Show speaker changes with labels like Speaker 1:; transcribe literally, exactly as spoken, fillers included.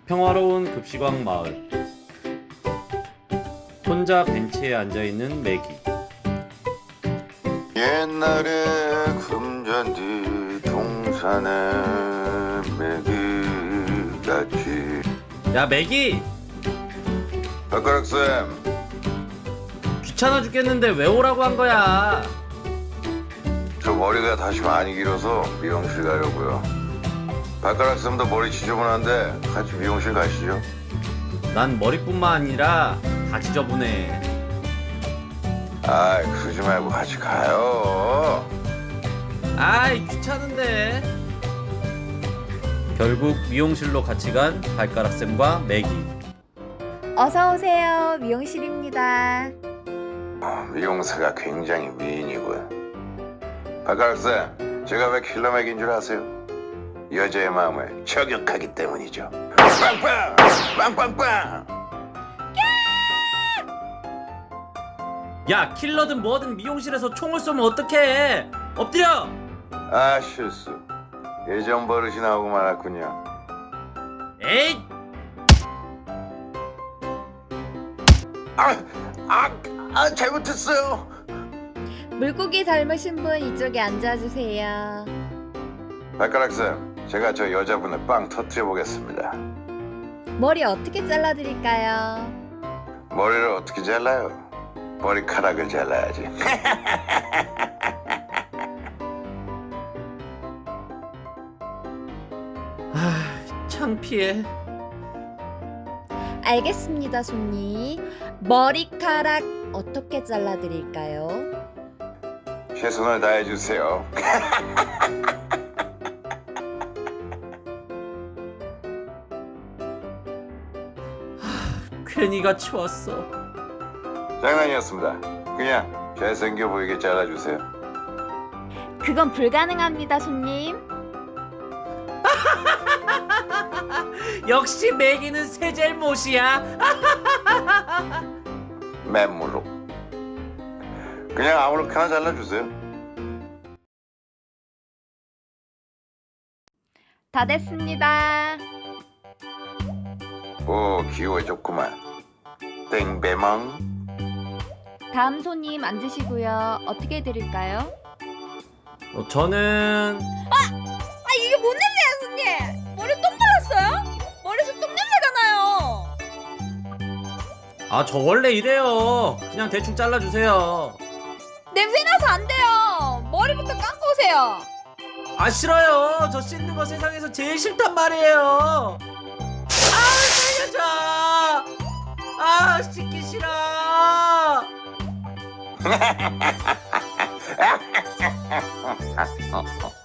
Speaker 1: 평화로운 급식왕 마을. 혼자 벤치에 앉아있는 매기.
Speaker 2: 옛날에 금잔디 동산에 매기같이.
Speaker 1: 야 매기!
Speaker 2: 발가락쌤,
Speaker 1: 귀찮아 죽겠는데 왜 오라고 한 거야?
Speaker 2: 저 머리가 다시 많이 길어서 미용실 가려고요. 발가락쌤도 머리 지저분한데 같이 미용실 가시죠.
Speaker 1: 난 머리뿐만 아니라 다 지저분해.
Speaker 2: 아이, 그러지 말고 같이 가요.
Speaker 1: 아이 귀찮은데. 결국 미용실로 같이 간 발가락쌤과 매기.
Speaker 3: 어서 오세요. 미용실입니다.
Speaker 2: 어, 미용사가 굉장히 미인이군. 발가락쌤, 제가 왜 킬러맥인 줄 아세요? 여자의 마음을 저격하기 때문이죠. 빵빵! 빵빵빵!
Speaker 1: 야 킬러든 뭐든 미용실에서 총을 쏘면 어떡해? 엎드려!
Speaker 2: 아, 실수. 예전 버릇이 나오고 말았군요.
Speaker 1: 에잇!
Speaker 2: 아, 아, 아, 잘못했어요.
Speaker 3: 물고기 닮으신 분 이쪽에 앉아주세요.
Speaker 2: 발가락쌤, 제가 저 여자분을 빵 터뜨려 보겠습니다.
Speaker 3: 머리 어떻게 잘라드릴까요?
Speaker 2: 머리를 어떻게 잘라요? 머리카락을 잘라야지.
Speaker 1: 아 창피해.
Speaker 3: 알겠습니다, 손님. 머리카락 어떻게 잘라드릴까요?
Speaker 2: 최선을 다해주세요.
Speaker 1: 괜히 같이 왔어.
Speaker 2: 장난이었습니다. 그냥 잘생겨 보이게 잘라주세요.
Speaker 3: 그건 불가능합니다, 손님.
Speaker 1: 역시 매기는 새 잘못이야.
Speaker 2: 맨물로. 그냥 아무렇게나 잘라주세요.
Speaker 3: 다 됐습니다.
Speaker 2: 오, 귀여워졌구만. 땡배망.
Speaker 3: 다음 손님 앉으시고요. 어떻게 해드릴까요?
Speaker 1: 어, 저는
Speaker 3: 아, 이게 뭔 냄새야, 손님? 머리 똥 발랐어요? 머리에서 똥 냄새가 나요.
Speaker 1: 아 저 원래 이래요. 그냥 대충 잘라주세요.
Speaker 3: 냄새 나서 안 돼요. 머리부터 감고 오세요.
Speaker 1: 아 싫어요. 저 씻는 거 세상에서 제일 싫단 말이에요. 아 살려줘. 아 씻기 싫어. 어, 어.